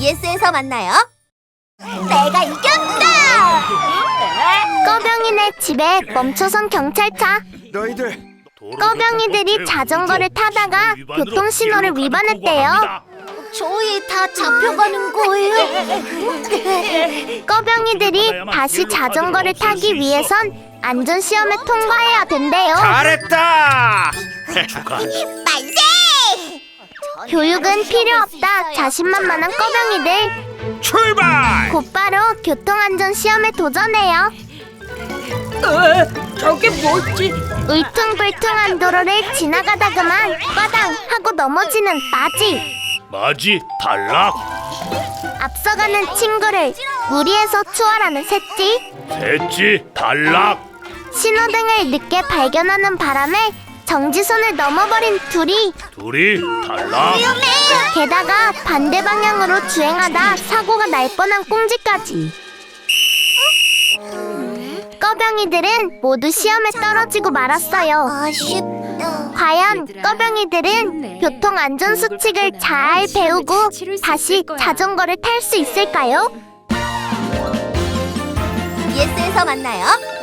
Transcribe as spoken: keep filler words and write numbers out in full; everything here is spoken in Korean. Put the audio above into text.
비에스에서 만나요. 내가 이겼다! 꺼병이네 집에 멈춰선 경찰차. 너희들 꺼병이들이 자전거를 타다가 교통신호를 위반했대요. 저희 다 잡혀가는 거예요. 꺼병이들이 다시 자전거를 타기 위해선 안전시험을 통과해야 된대요. 잘했다. 만세! 교육은 필요 없다. 자신만만한 꺼병이들 출발. 곧바로 교통안전시험에 도전해요. 저게 뭐지? 울퉁불퉁한 도로를 지나가다 그만 빠당 하고 넘어지는 마지. 마지 탈락. 앞서가는 친구를 무리해서 추월하는 셋지. 셋지 탈락. 신호등을 늦게 발견하는 바람에 정지선을 넘어버린 둘이. 둘이 탈락. 게다가 반대 방향으로 주행하다 사고가 날 뻔한 꽁지까지. 꺼병이들은 모두 시험에 떨어지고 말았어요. 아쉽다. 과연 꺼병이들은 교통안전수칙을 잘 배우고 다시 자전거를 탈 수 있을까요? 비에스에서 만나요.